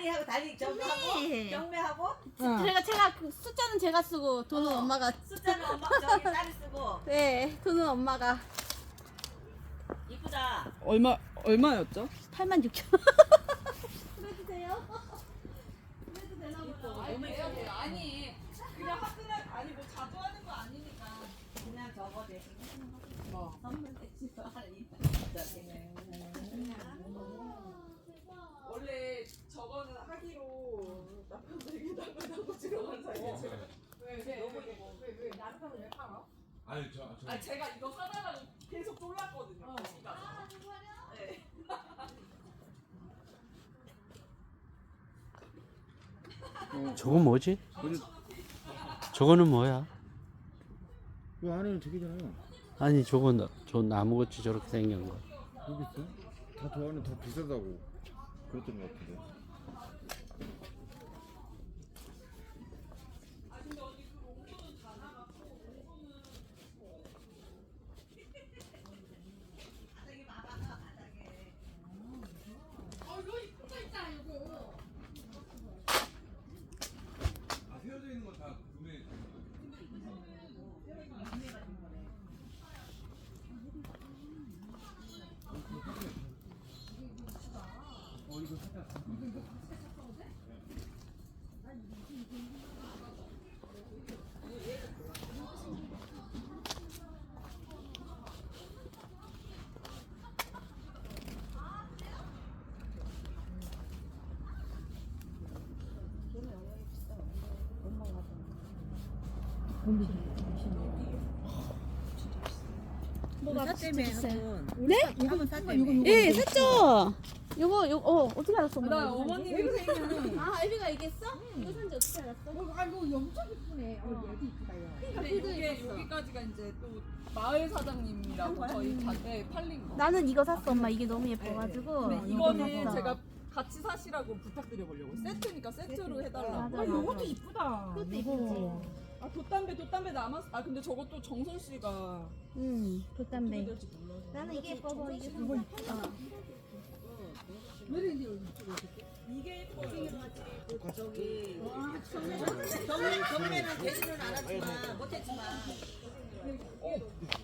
달리하고 달리 경매하고 네. 경매하고 제가 그 숫자는 제가 쓰고 돈은 엄마가. 숫자는 엄마 저기 딸이 쓰고. 네, 돈은 엄마가. 이쁘다. 얼마였죠? 86,000원. 그래도 돼요? 그래도 되나 보다. 아니 그냥 화끈한 아니 뭐 자주 하는 거 아니니까. 그냥 저거 대신 뭐. 선물 대신 원래 저거는 하기로 남편들에게 나가고 들어간 사이에 제가 왜 남편을 왜 팔아? 아니 아 제가 이거 사달라고 계속 쫄랐거든요. 거기 가서. 네. 저건 뭐지? 저거는 뭐야? 이 안에는 저기잖아요. 아니 저건 저 나무같이 저렇게 생긴 거. 여기 있어? 다 더 안에 더 비싸다고 그랬던 것 같은데. 아 세워져 있는 건 다 구매. 뭐가 때문에 네? 이거 샀대매. 예, 샀죠. 요거 어떻게 알았어? 나 어머님이 생일은 아, 애비가 얘기했어? 이거 산지 어떻게 알았어? 아이고 엄청 이쁘네. 얘도 이쁘다요. 근데 이게 여기까지가 이제 또 마을 사장님이라고 저희 자대 팔린 거. 나는 이거 샀어, 엄마. 이게 너무 예뻐가지고. 근데 이거는 제가 같이 사시라고 부탁드려 보려고. 세트니까 세트로 해달라고. 맞아요. 요것도 이쁘다. 그것도 이쁘지. 아 돛담배 남았어. 아 근데 저것도 정선 씨가 어떻게 돛담배. 될지 몰라서. 나는 이게 예뻐서 이게 산 이거 거야. 이쁘다. 왜 이런데 이쪽으로 이렇게? 이게 예뻐요. 저기 경매는 되지는 않았지만 못했지만